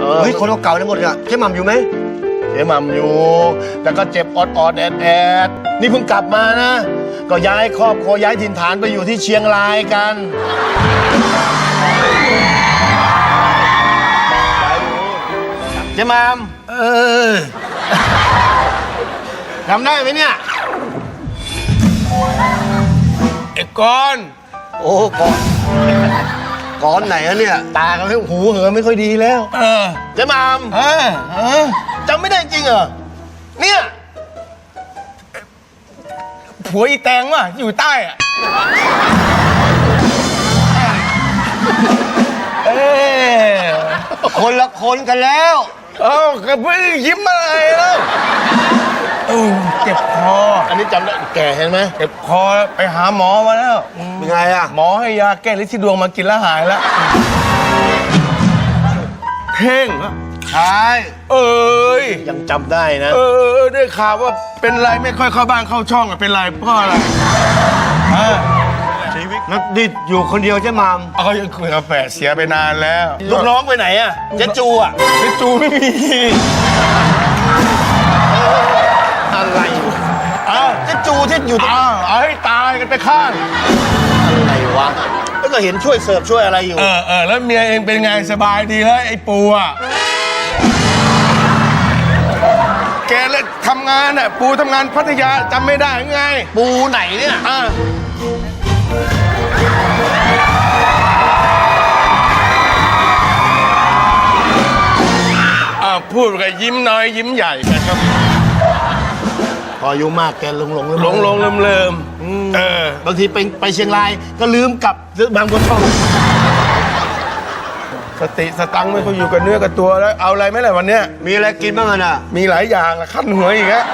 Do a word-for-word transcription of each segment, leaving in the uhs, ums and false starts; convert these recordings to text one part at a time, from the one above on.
เฮ้ยคนเก่าๆทั้งหมดเนี่ยเจ๊หม่ำอยู่ไหมเจ๊หม่ำอยู่แต่ก็เจ็บออดๆแอดแอดนี่เพิ่งกลับมานะก็ย้ายครอบครัวย้ายถิ่นฐานไปอยู่ที่เชียงรายกันเจ๊หม่ำเออทำได้ไหมเนี่ยไอ้กอนโอ้ก่อนก่อนไหนอะเนี่ยตาเขาให้หูเหอไม่ค่อยดีแล้วเออเจ๊หม่ำเออเออจำไม่ได้จริงเหรอเนี่ยผัวอีแตงว่ะอยู่ใต้อะเออคนละคนกันแล้วเอ้ากระเพื่อยิ้มอะไรแล้วเออเจ็บคออันนี้จำได้แก่เห็นไหมเจ็บคอไปหาหมอมาแล้วเป็นไงอะหมอให้ยาแก้ฤทธิ์ที่ดวงมากินแล้วหายแล้วเพ่งใช่เอ้ยยังจำได้นะเออได้ข่าวว่าเป็นไรไม่ค่อยเข้าบ้านเข้าช่องอะเป็นไรเพราะอะไรชีวิตนักดิดอยู่คนเดียวเจ๊หม่ำเอายังคุยกับแฝดเสียไปนานแล้วลูกน้องไปไหนอะเจ๊จูอะเจ๊จูไม่มีอะไรอ้าวเจ๊จูที่อยู่อ้าวเอาให้ตายกันไปข้างอะไรวะแล้วก็เห็นช่วยเสิร์ฟช่วยอะไรอยู่เออเออแล้วเมียเองเป็นไงสบายดีแล้วไอ้ปูอะแกเลยทำงานอ่ะปูทำงานพัทยาจำไม่ได้ไงปูไหนเนี่ยอ่าอ่าพูดกับยิ้มน้อยยิ้มใหญ่กันครับพออายุมากแกหลงหลงหลงหลงลืมลืมเออบางทีไปไปเชียงรายก็ลืมกลับบางบัวทองสติสตังค์ไม่ค่อยอยู่กับเนื้อกับตัวแล้วเอาอะไรไหมล่ะวันเนี้ยมีอะไรกินบ้างอ่ะมีหลายอย่างละขั้นหัวอีกฮะ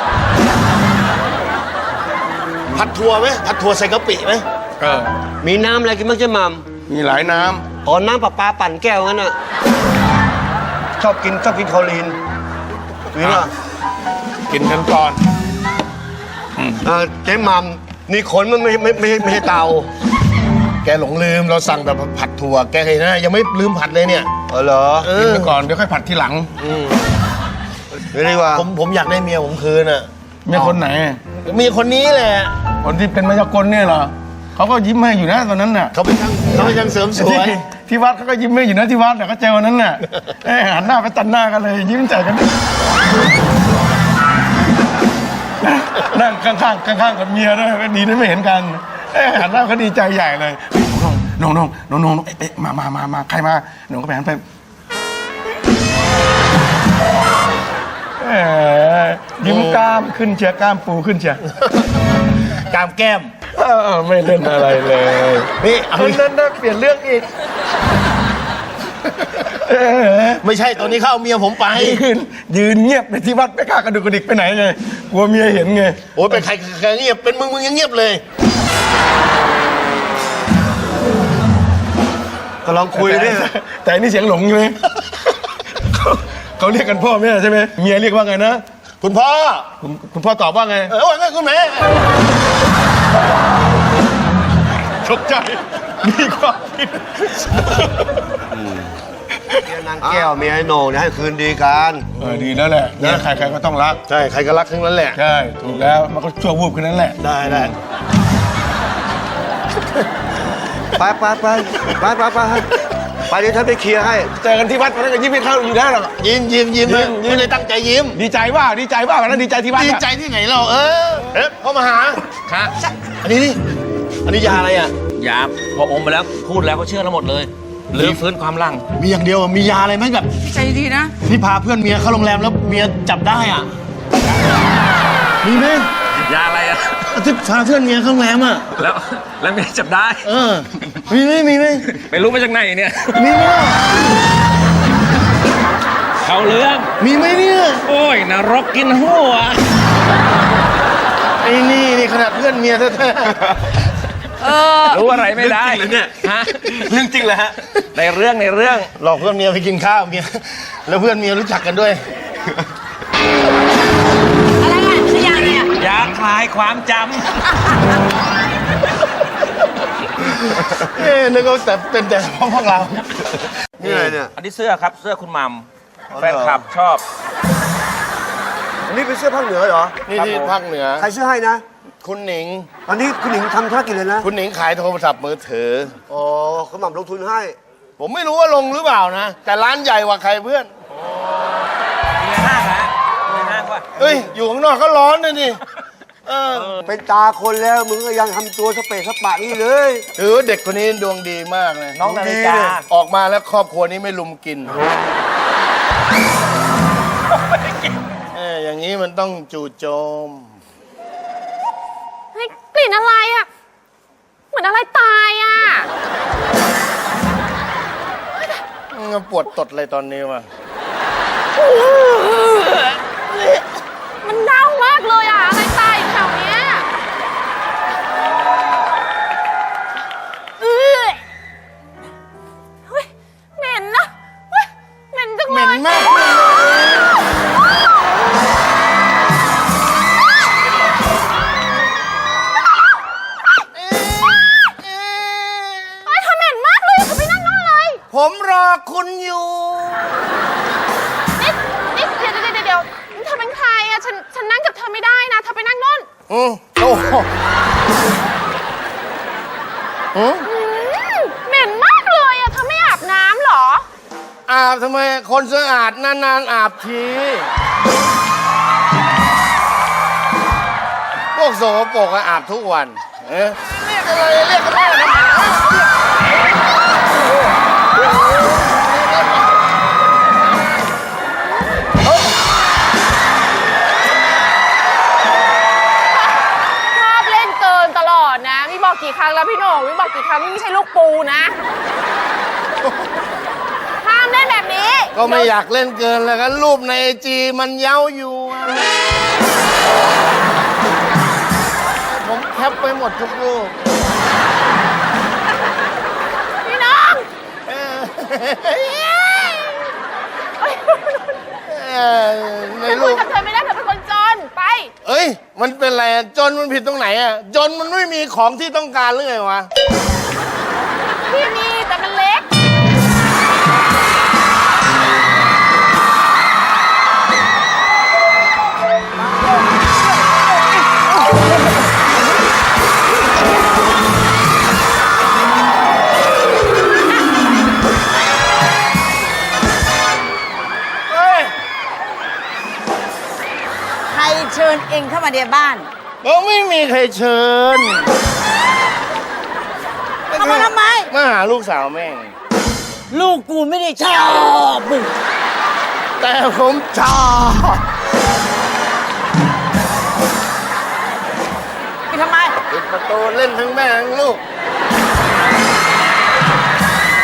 ผัดถั่วไหมผัดถั่วใส่กะปิไหมเออมีน้ำอะไรกินบ้างเจ๊หม่ำมีหลายน้ำอ๋อน้ำปลาปลาปั่นแก้วงั้นอ่ะชอบกินชอบกินคอลีนนี่ล่ะกินกันก่อนเออเจ๊หม่ำนี่ขนมันไม่ไม่ไม่ไม่ใช่เตาแกหลงลืมเราสั่งแบบผัดถั่วแกเห็นนะยังไม่ลืมผัดเลยเนี่ยเออเหรอกินไปก่อนเดี๋ยวค่อยผัดทีหลังไม่ได้ว่าผมผมอยากได้เมียผมคืนอ่ะเมียคนไหนเมียคนนี้แหละคนที่เป็นมายากลเนี่ยเหรอเขาก็ยิ้มให้อยู่นะตอนนั้นน่ะเขาเป็นช่างเขาเป็นช่างเสริมสวยที่วัดเขาก็ยิ้มให้อยู่นะที่วัดแต่ก็เจอวันนั้นน่ะหันหน้าไปตัดหน้ากันเลยยิ้มใจกันนั่งข้างๆข้างๆกับเมียด้วยดีนะไม่เห็นกันหันหน้าเขาดีใจใหญ่เลยน้องน้องน้องน้องเอ๊ะมามามามาใครมาหนูก็ไปหันไปยิ้มกล้ามขึ้นเชียร์กล้ามปูขึ้นเชียร์กล้ามแก้มไม่เล่นอะไรเลยนี่เอาเล่นได้เปลี่ยนเรื่องอีกไม่ใช่ตอนนี้เขาเอาเมียผมไปยืนยืนเงียบในที่วัดไม่กล้ากระดุกกระดิกไปไหนไงกลัวเมียเห็นไงโอ้ยเป็นใครใครเงียบเป็นมึงมึงยังเงียบเลยก็ลองคุยดิแต่นี่เสียงหลงอยู่ไหมเขาเรียกกันพ่อแม่ใช่ไหมเมียเรียกว่าไงนะคุณพ่อคุณพ่อตอบว่าไงเออว่าไงคุณแม่ตกใจมีความคิดเมียนางแก้วเมียไอ้โหน่งเนี่ยให้คืนดีกันเออดีแล้วแหละนะใครใครก็ต้องรักใช่ใครก็รักทั้งนั้นแหละใช่ถูกแล้วมันก็ชั่ววูบแค่นั้นแหละได้ได้ไปไปไปไปไปไปไปเดี๋ยวท่านไปเคลียร์ให้เจอกันที่วัดวันนั้นก็ยิ้มให้เข้าอยู่ได้หรอยิ้มยิ้มยิ้มไม่ได้ตั้งใจยิ้มดีใจว่าดีใจว่าวันนั้นดีใจที่วัดดีใจที่ไหนเราเออเอ๊ะพ่อมาหาครับอันนี้นี่อันนี้ยาอะไรอ่ะยาพออมไปแล้วพูดแล้วก็เชื่อทั้งหมดเลยหรือฟื้นความลังมีอย่างเดียวมียาอะไรไหมแบบใจดีนะที่พาเพื่อนเมียเข้าโรงแรมแล้วเมียจับได้อ่ะมีไหมยาอะไรอ่ะที่พาเพื่อนเมียเข้าโรงแรมอ่ะแล้วแล้วเมียจับได้เออมีไหมมีไหมไม่รู้มาจากไหนเนี่ยมีไหมเขาเรื่องมีไหมเนี่ยโอ้ยนรกกินหัวไอ้นี่นี่ขนาดเพื่อนเมียแท้ๆรู้อะไรไม่ได้เนี่ยฮะเรื่องจริงเลยฮะในเรื่องในเรื่องหลอกเพื่อนเมียไปกินข้าวเมียแล้วเพื่อนเมียรู้จักกันด้วยอะไรอ่ะชื่อยาอะไรอ่ะยาคลายความจำเอ๊ะนึกว่าแต่เป็นแต่พวกเรานี่อะไรเนี่ยอันนี้เสื้อครับเสื้อคุณมัมแฟนคลับชอบอันนี้เป็นเสื้อภาคเหนือเหรอนี่ที่ภาคเหนือใครเสื้อให้นะคุณหนิงตอนนี้คุณหนิงทำธุรกิจเลยนะคุณหนิงขายโทรศัพท์มือถืออ๋อเขาหม่ำลงทุนให้ผมไม่รู้ว่าลงหรือเปล่านะ แต่ร้านใหญ่กว่าใครเพื่อนมีในห้างนะมีในห้างป่ะเฮ้ย อยู่ข้างนอกก็ร้อนนะนี่เออเป็นตาคนแล้วมึงก็ยังทำตัวสเปะสปะนี่เลยถือว่าเด็กคนนี้ดวงดีมากเลยน้องนาฬิกาออกมาแล้วครอบครัวนี้ไม่ลุมกินเอออย่างนี้มันต้องจู่โจมเฮ้ยกลิ่นอะไรอ่ะ เหมือนอะไรตายอ่ะปวดตดเลยตอนนี้ว่ะมันเน่ามากเลยอ่ะ อะไรตายอยู่แถวเนี้ยเอ้ยเฮ้ยเหม็นนะเฮ้ยเหม็นจังเหเลม็นยมากเลยเฮ้ยเธอเหม็นมากเลยเธอไปนั่งนั่นเลยผมรอคุณอยู่นี่นี่เดี๋ยวเดี๋ยวเดี๋ยวเดี๋ยวเธอเป็นใครอ่ะ ฉัน ฉันนั่งกับเธอไม่ได้นะ เธอไปนั่งนู่นอืมโอ้โหอืมอืมเหม็นมากเลยอ่ะ เธอไม่อาบน้ำเหรออาบทำไมคนสะอาดนานๆอาบที พวกโสโปรกอะอาบทุกวัน เอ๊ะเรียกอะไรเรียกกันได้ทำไมชอบเล่นเกินตลอดนะมีบอกกี่ครั้งแล้วพี่โหน่งมีบอกกี่ครั้งนี่ไม่ใช่ลูกปูนะ ห้ามเล่นแบบนี้ก็ไม่อยากเล่นเกินแล้วกันรูปในไอจีมันเย้าอยู่อะผมแคปไปหมดทุกรูปพี่น้องเออเอ้ยเออในฉันรูคุยปกับเธอไม่ได้เธอเป็นคนจนไปเอ้ย มันเป็นอะไรอะจนมันผิดตรงไหนอะจนมันไม่มีของที่ต้องการหรือไงวะพี่มีแต่มันเล็กเฮ้ยใครเชิญเองเข้ามาในบ้านเราไม่มีใครเชิญเข้ามาทำไมมาหาลูกสาวแม่งลูกกูไม่ได้ชอบมึงแต่ผมชอบไปทำไมปิดประตูเล่นทั้งแม่ทั้งลูกไ